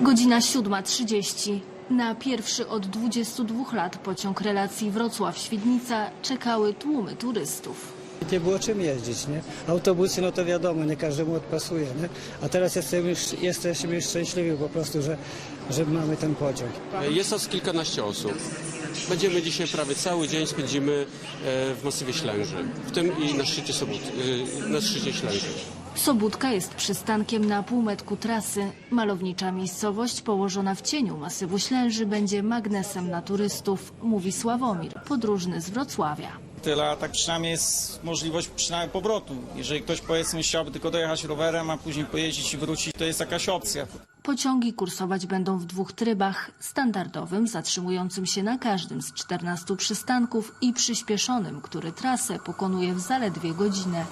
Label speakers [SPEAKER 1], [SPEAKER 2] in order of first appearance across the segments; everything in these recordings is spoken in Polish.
[SPEAKER 1] Godzina 7:30. Na pierwszy od 22 lat pociąg relacji Wrocław-Świdnica czekały tłumy turystów.
[SPEAKER 2] Nie było czym jeździć, nie? Autobusy, no to wiadomo, nie każdemu odpasuje, nie? A teraz jesteśmy już szczęśliwi po prostu, że mamy ten pociąg.
[SPEAKER 3] Jest nas kilkanaście osób. Będziemy dzisiaj prawie cały dzień spędzimy w masywie Ślęży, w tym i na szczycie na szczycie Ślęży.
[SPEAKER 1] Sobótka jest przystankiem na półmetku trasy. Malownicza miejscowość położona w cieniu masywu Ślęży będzie magnesem na turystów, mówi Sławomir, podróżny z Wrocławia.
[SPEAKER 4] Tyle, a tak przynajmniej jest możliwość przynajmniej powrotu. Jeżeli ktoś, powiedzmy, chciałby tylko dojechać rowerem, a później pojeździć i wrócić, to jest jakaś opcja.
[SPEAKER 1] Pociągi kursować będą w dwóch trybach: standardowym, zatrzymującym się na każdym z 14 przystanków, i przyspieszonym, który trasę pokonuje w zaledwie godzinę.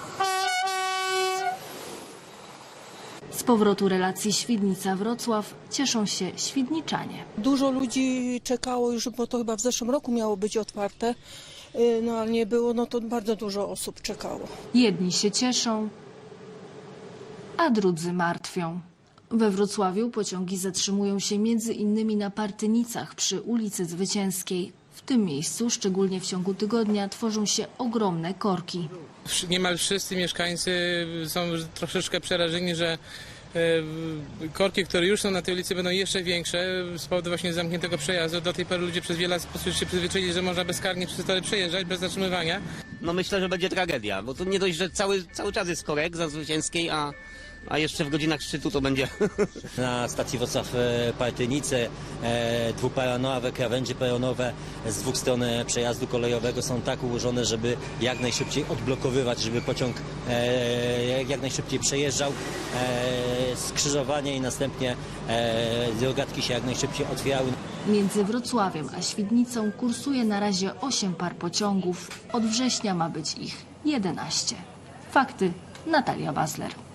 [SPEAKER 1] Z powrotu relacji Świdnica-Wrocław cieszą się świdniczanie.
[SPEAKER 5] Dużo ludzi czekało już, bo to chyba w zeszłym roku miało być otwarte, no ale nie było, no to bardzo dużo osób czekało.
[SPEAKER 1] Jedni się cieszą, a drudzy martwią. We Wrocławiu pociągi zatrzymują się między innymi na Partynicach przy ulicy Zwycięskiej. W tym miejscu, szczególnie w ciągu tygodnia, tworzą się ogromne korki.
[SPEAKER 6] Niemal wszyscy mieszkańcy są troszeczkę przerażeni, że korki, które już są na tej ulicy, będą jeszcze większe z powodu właśnie zamkniętego przejazdu. Do tej pory ludzie przez wiele lat się przyzwyczaili, że można bezkarnie przez tory przejeżdżać bez zatrzymywania.
[SPEAKER 7] No myślę, że będzie tragedia, bo to nie dość, że cały czas jest korek za Zwycięskiej, a jeszcze w godzinach szczytu to będzie.
[SPEAKER 8] Na stacji Wrocław-Partynice dwuperonowe krawędzie peronowe z dwóch stron przejazdu kolejowego są tak ułożone, żeby jak najszybciej odblokowywać, żeby pociąg jak najszybciej przejeżdżał skrzyżowanie i następnie drogatki się jak najszybciej otwierały.
[SPEAKER 1] Między Wrocławiem a Świdnicą kursuje na razie 8 par pociągów. Od września ma być ich 11. Fakty, Natalia Basler.